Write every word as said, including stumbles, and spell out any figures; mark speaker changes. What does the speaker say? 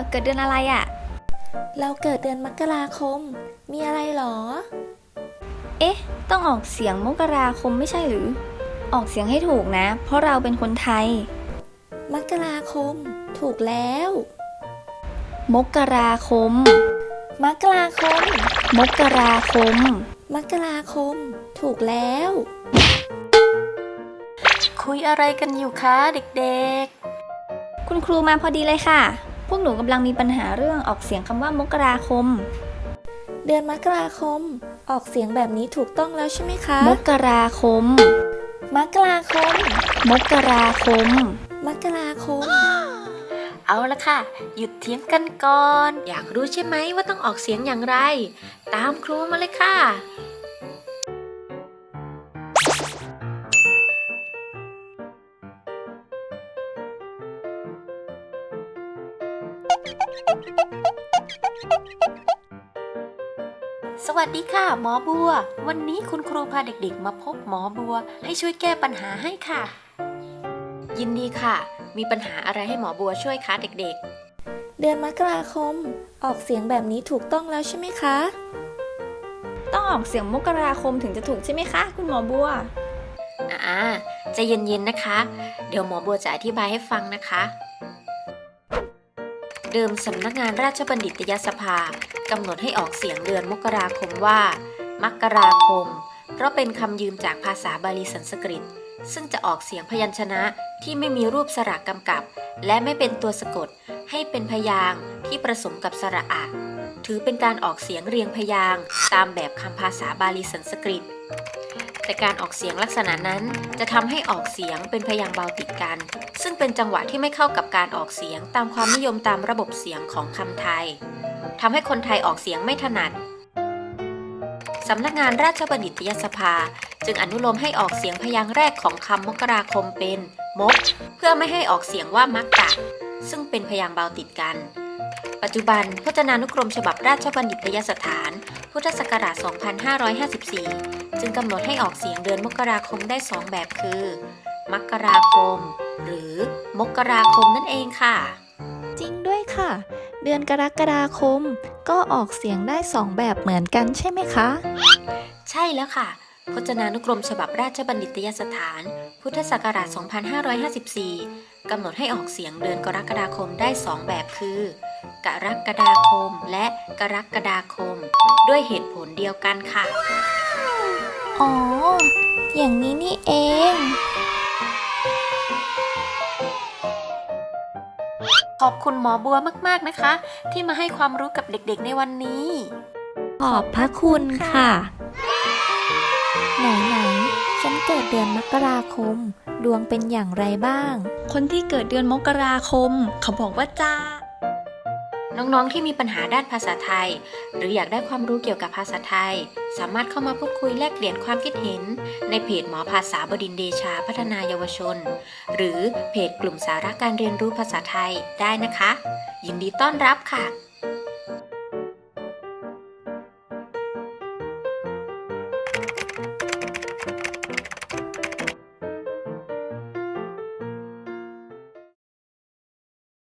Speaker 1: เกิดเดือนอะไรอะ
Speaker 2: เราเกิดเดือนมกราคม มีอะไรหรอ
Speaker 1: เอ๊ะ ต้องออกเสียงมกราคมไม่ใช่หรือ ออกเสียงให้ถูกนะ เพราะเราเป็นคนไทย
Speaker 2: มกราคม ถูกแล้ว
Speaker 1: มกราคม
Speaker 2: มกราคม
Speaker 1: มกราคม
Speaker 2: มกราคม ถูกแล้ว
Speaker 3: คุยอะไรกันอยู่คะเด็ก
Speaker 1: ๆ คุณครูมาพอดีเลยค่ะ พวกหนูกำลังมีปัญหาเรื่องออกเสียงคำว่ามกราคม
Speaker 2: เดือนมกราคม ออกเสียงแบบนี้ถูกต้องแล้วใช่ไหมคะ
Speaker 1: มกราคม
Speaker 2: มกราคม
Speaker 1: มกราคม
Speaker 2: มกราคม
Speaker 3: เอาละค่ะ หยุดเถียงกันก่อน อยากรู้ใช่ไหมว่าต้องออกเสียงอย่างไร ตามครูมาเลยค่ะ สวัสดีค่ะหมอบัว วันนี้คุณครูพาเด็กๆมาพบหมอบัวให้ช่วยแก้ปัญหาให้ค่ะ ยินดีค่ะ มีปัญหาอะไรให้หมอบัวช่วยคะเด็ก
Speaker 2: ๆ เดือนมกราคม ออกเสียงแบบนี้ถูกต้องแล้วใช่ไหมคะ
Speaker 1: ต้องออกเสียงมกราคมถึงจะถูกใช่ไหมคะคุณหมอบัว
Speaker 3: อ่าใจเย็นๆนะคะ เดี๋ยวหมอบัวจะอธิบายให้ฟังนะคะ เดิมสำนักงานราชบัณฑิตยสภากำหนดให้ออกเสียงเดือนมกราคมว่ามกราคม เพราะเป็นคำยืมจากภาษาบาลีสันสกฤตซึ่งจะออกเสียงพยัญชนะที่ไม่มีรูปสระกำกับและไม่เป็นตัวสะกดให้เป็นพยางค์ที่ผสมกับสระอะถือเป็นการออกเสียงเรียงพยางค์ตามแบบคำภาษาบาลีสันสกฤตแต่การออกเสียงลักษณะนั้นจะทำให้ออกเสียงเป็นพยางค์เบาติดกันซึ่งเป็นจังหวะที่ไม่เข้ากับการออกเสียงตามความนิยมตามระบบเสียงของคำไทยทำให้คนไทยออกเสียงไม่ถนัดสำนักงานราชบัณฑิตยสภาจึงอนุโลมให้ออกเสียงพยางค์แรกของคำมกราคมเป็นมกเพื่อไม่ให้ออกเสียงว่ามักกะซึ่งเป็นพยางค์เบาติดกันปัจจุบันพจนานุกรมฉบับราชบัณฑิตยสถานพุทธศักราช สองพันห้าร้อยห้าสิบสี่ จึงกำหนดให้ออกเสียงเดือนมกราคมได้สองแบบคือมกราคมหรือมกราคมนั่นเองค่ะ
Speaker 2: จริงด้วยค่ะ เดือนกรกฎาคมก็ออกเสียงได้สองแบบเหมือนกันใช่ไหมคะ
Speaker 3: ใช่แล้วค่ะพจนานุกรมฉบับราชบัณฑิตยสถานพุทธศักราช สองพันห้าร้อยห้าสิบสี่ กำหนดให้ออกเสียงเดือนกรกฎาคมได้สองแบบคือกรกฎาคมและกรกฎาคมด้วยเหตุผลเดียวกันค่ะ
Speaker 2: อ๋ออย่างนี้นี่เอง
Speaker 3: ขอบคุณหมอบัวมากๆนะคะที่มาให้ความรู้กับเด็กๆในวันนี้
Speaker 2: ขอบพระคุณค่ะ ไหนๆฉันเกิดเดือนมกราคมดวงเป็นอย่างไรบ้าง
Speaker 1: คนที่เกิดเดือนมกราคมเขาบอกว่าจ้า
Speaker 3: น้องๆที่มีปัญหาด้านภาษาไทยหรืออยากได้ความรู้เกี่ยวกับภาษาไทยสามารถเข้ามาพูดคุยแลกเปลี่ยนความคิดเห็นในเพจหมอภาษาบดินทร์เดชาพัฒนาเยาวชนหรือเพจกลุ่มสาระการเรียนรู้ภาษาไทยได้นะคะยินดีต้อนรับค่ะ